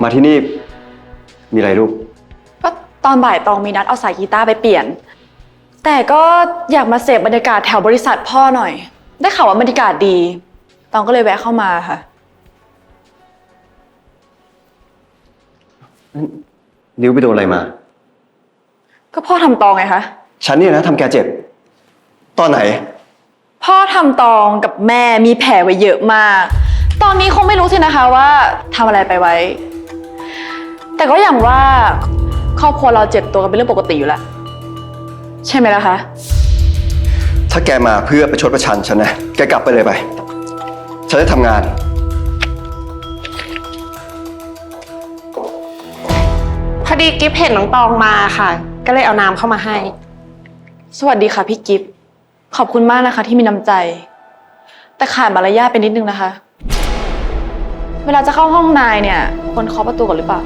มาที่นี่มีอะไรลูกก็ตอนบ่ายตองมีนัดเอาสายกีตาร์ไปเปลี่ยนแต่ก็อยากมาเสพบรรยากาศแถวบริษัทพ่อหน่อยได้ข่าวว่าบรรยากาศดีตองก็เลยแวะเข้ามาค่ะนิ้วไปโดนอะไรมาก็พ่อทำตองไงคะฉันเนี่ยนะทำแกเจ็บตอนไหนพ่อทำตองกับแม่มีแผลไว้เยอะมากตอนนี้คงไม่รู้สินะคะว่าทำอะไรไปไว้แต่ก็อย่างว่าครอบครัวเราเจ็บตัวกันเป็นเรื่องปกติอยู่แล้วใช่ไหมล่ะคะถ้าแกมาเพื่อประชดประชันฉันนะแกกลับไปเลยไปฉันจะทำงานพอดีกิฟเห็นน้องตองมาค่ะก็เลยเอาน้ำเข้ามาให้สวัสดีค่ะพี่กิฟต์ขอบคุณมากนะคะที่มีน้ำใจแต่ขาดมารยาทไปนิดนึงนะคะเวลาจะเข้าห้องนายเนี่ยควรเคาะประตูก่อนหรือเปล่า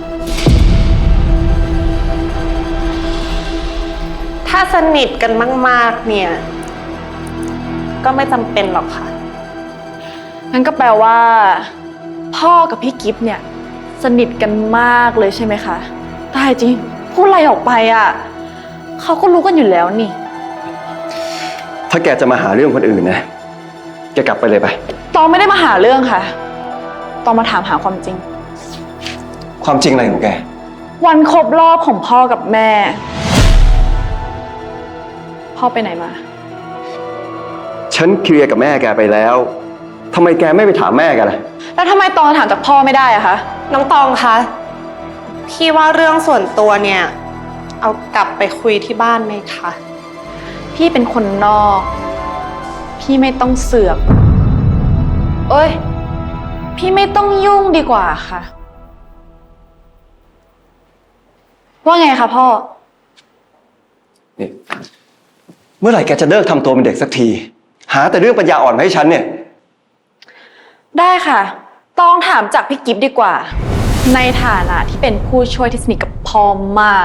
ถ้าสนิทกันมากๆเนี่ยก็ไม่จำเป็นหรอกค่ะงั้นก็แปลว่าพ่อกับพี่กิฟต์เนี่ยสนิทกันมากเลยใช่ไหมคะตายจริงพูดอะไรออกไปอ่ะเขาก็รู้กันอยู่แล้วนี่ถ้าแกจะมาหาเรื่องคนอื่นนะแกกลับไปเลยไปตองไม่ได้มาหาเรื่องค่ะตองมาถามหาความจริงความจริงอะไรของแกวันครบรอบของพ่อกับแม่พ่อไปไหนมาฉันเคลียร์กับแม่แกไปแล้วทำไมแกไม่ไปถามแม่กันล่ะแล้วทำไมตองถามจากพ่อไม่ได้อะคะน้องตองคะพี่ว่าเรื่องส่วนตัวเนี่ยเอากลับไปคุยที่บ้านไหมคะพี่เป็นคนนอกพี่ไม่ต้องเสือกเอ้ยพี่ไม่ต้องยุ่งดีกว่าค่ะว่าไงคะพ่อนี่เมื่อไหร่แกจะเลิกทำตัวเป็นเด็กสักทีหาแต่เรื่องปัญญาอ่อนมาให้ฉันเนี่ยได้ค่ะต้องถามจากพี่กิฟต์ดีกว่าในฐานะที่เป็นผู้ช่วยที่สนิทกับพ่อมาก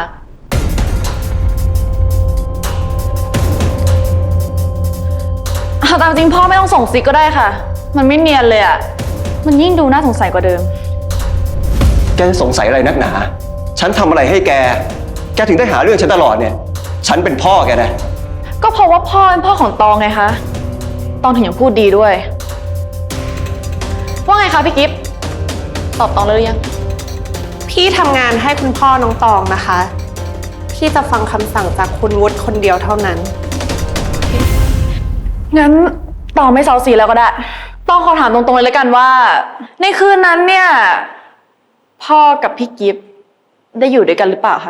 ตามจริงพ่อไม่ต้องส่งซิกก็ได้ค่ะมันไม่เนียนเลยอ่ะมันยิ่งดูน่าสงสัยกว่าเดิมแกจะสงสัยอะไรนักหนาฉันทำอะไรให้แกถึงได้หาเรื่องฉันตลอดเนี่ยฉันเป็นพ่อแกนะก็เพราะว่าพ่อเป็นพ่อของตองไงคะตองถึงยังพูดดีด้วยว่าไงคะพี่กิฟต์ตอบตองเลยหรือยังพี่ทำงานให้คุณพ่อน้องตองนะคะพี่จะฟังคำสั่งจากคุณวุฒิคนเดียวเท่านั้นงั้นตองไม่เซาซีแล้วก็ได้ต้องขอถามตรงๆเลยแล้วกันว่าในคืนนั้นเนี่ยพ่อกับพี่กิฟต์ได้อยู่ด้วยกันหรือเปล่าคะ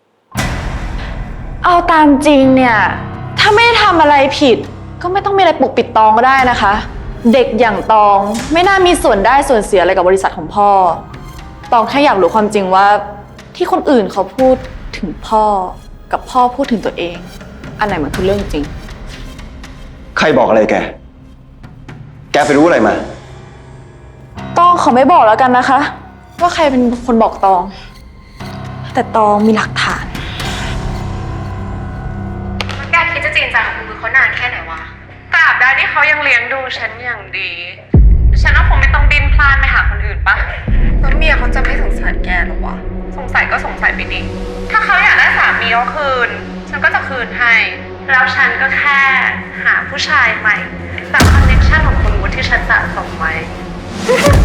เอาตามจริงเนี่ยถ้าไม่ทำอะไรผิดก็ไม่ต้องมีอะไรปกปิดตองก็ได้นะคะเด็กอย่างตองไม่น่ามีส่วนได้ส่วนเสียอะไรกับบริษัทของพ่อตองแค่อยากรู้ความจริงว่าที่คนอื่นเขาพูดถึงพ่อกับพ่อพูดถึงตัวเองอันไหนมันคือเรื่องจริงใครบอกอะไรแกไปรู้อะไรมาตองขอไม่บอกแล้วกันนะคะว่าใครเป็นคนบอกตองแต่ตองมีหลักฐานแกคิดจะจริงจังกับคุณมือเขานานแค่ไหนวะตราบใดที่เขายังเลี้ยงดูฉันอย่างดีฉันว่าคงไม่ต้องดิ้นพลานไปหาคนอื่นปะแล้วเมียเขาจะไม่สงสารแกหรอวะสงสัยก็สงสัยไปดิถ้าเขาอยากได้สามีเขาคืนฉันก็จะคืนให้แล้วฉันก็แค่หาผู้ชายใหม่จากคอนเนคชั่นของคุณวุฒิที่ฉันสะสมไว้